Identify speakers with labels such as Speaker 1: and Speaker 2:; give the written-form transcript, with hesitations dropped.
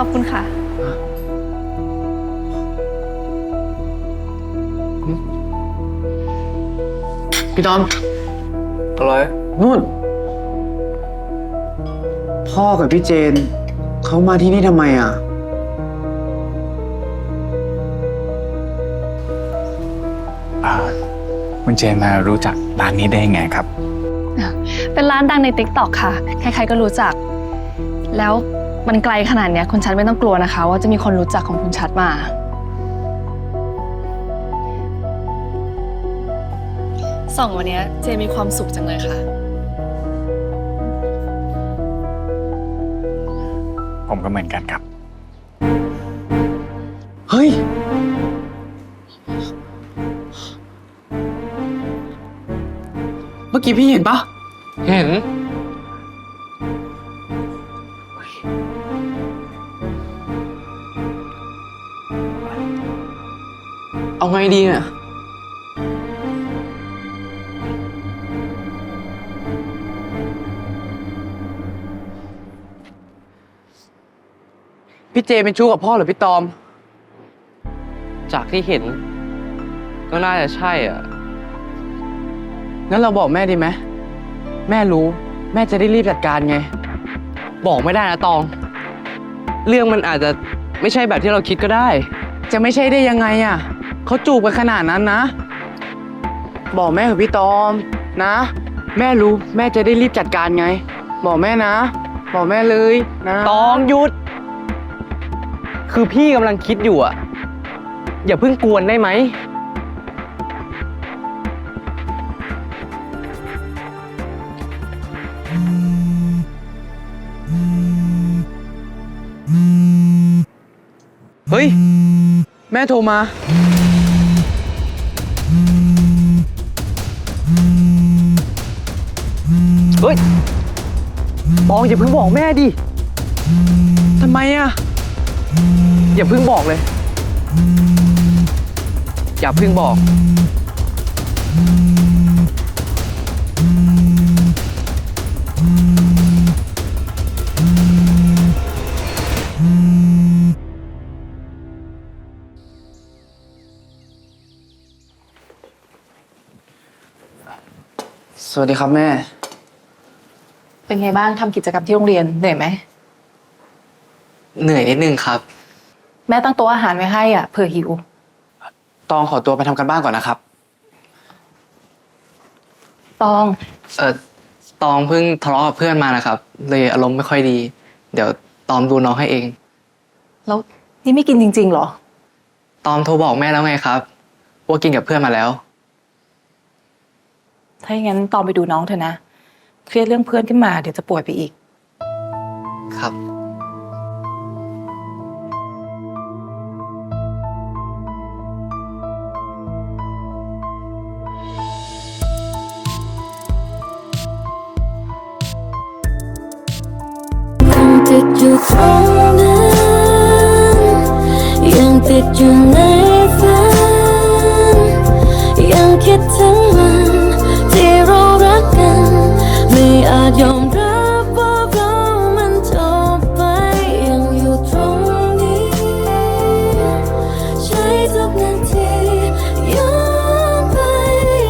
Speaker 1: อบคุณค่ะ
Speaker 2: พี่ตอม
Speaker 3: อะไร
Speaker 2: นู่นพ่อกับพี่เจนเขามาที่นี่ทำไมอ่ะ
Speaker 3: คุณเจนมารู้จักร้านนี้ได้ยังไงครับ
Speaker 1: เป็นร้านดังใน TikTok ค่ะใครๆก็รู้จักแล้วมันไกลขนาดเนี้ยคุณชัดไม่ต้องกลัวนะคะว่าจะมีคนรู้จักของคุณชัดมาส่องวันนี้เจมีความสุขจังเลยค่ะ
Speaker 3: ผมก็เหมือนกันครับ
Speaker 2: เฮ้ยเมื่อกี้พี่เห็นปะ
Speaker 3: เห็น
Speaker 2: เอาไงดีเนี่ยพี่เจเป็นชู้กับพ่อหรือพี่ตอม
Speaker 4: จากที่เห็นก็น่าจะใช่อ่ะ
Speaker 2: งั้นเราบอกแม่ดีไหมแม่รู้แม่จะได้รีบจัดการไง
Speaker 4: บอกไม่ได้นะตอง เรื่องมันอาจจะไม่ใช่แบบที่เราคิดก็ได้
Speaker 2: จะไม่ใช่ได้ยังไงอ่ะเขาจูบกันขนาดนั้นนะบอกแม่กับพี่ตอมนะแม่รู้แม่จะได้รีบจัดการไงบอกแม่นะบอกแม่เลยนะ
Speaker 4: ตองหยุดคือพี่กำลังคิดอยู่อ่ะอย่าเพิ่งกวนได้ไหม
Speaker 2: เฮ้ยแม่โทรมา
Speaker 4: เฮ้ยตองอย่าเพิ่งบอกแม่ดิ
Speaker 2: ทำไมอ่ะ
Speaker 4: อย่าเพิ่งบอกเลยอย่าเพิ่งบอก
Speaker 2: สวัสดีครับแม่
Speaker 5: เป็นไงบ้างทำกิจกรรมที่โรงเรียนเหนื่อยไหม
Speaker 4: เหนื่อยนิดนึงครับ
Speaker 5: แม่ตั้งโต๊ะอาหารไว้ให้อ่ะเผื่อหิว
Speaker 2: ตองขอตัวไปทำกันบ้านก่อนนะครับ
Speaker 5: ตอง
Speaker 4: ตองเพิ่งทะเลาะกับเพื่อนมานะครับเลยอารมณ์ไม่ค่อยดีเดี๋ยวตอมดูน้องให้เอง
Speaker 5: แล้วนี่ไม่กินจริงๆเหรอ
Speaker 4: ตอมโทรบอกแม่แล้วไงครับว่ากินกับเพื่อนมาแล้ว
Speaker 5: ถ้าอย่างนั้นตองไปดูน้องเถอะนะเครียดเรื่องเพื่อนขึ้นมาเดี๋ยวจะป่วยไปอีก
Speaker 4: ครับ
Speaker 6: ติดอยู่ตรงนั้นยังติดอยู่ในฝันยังคิดถึง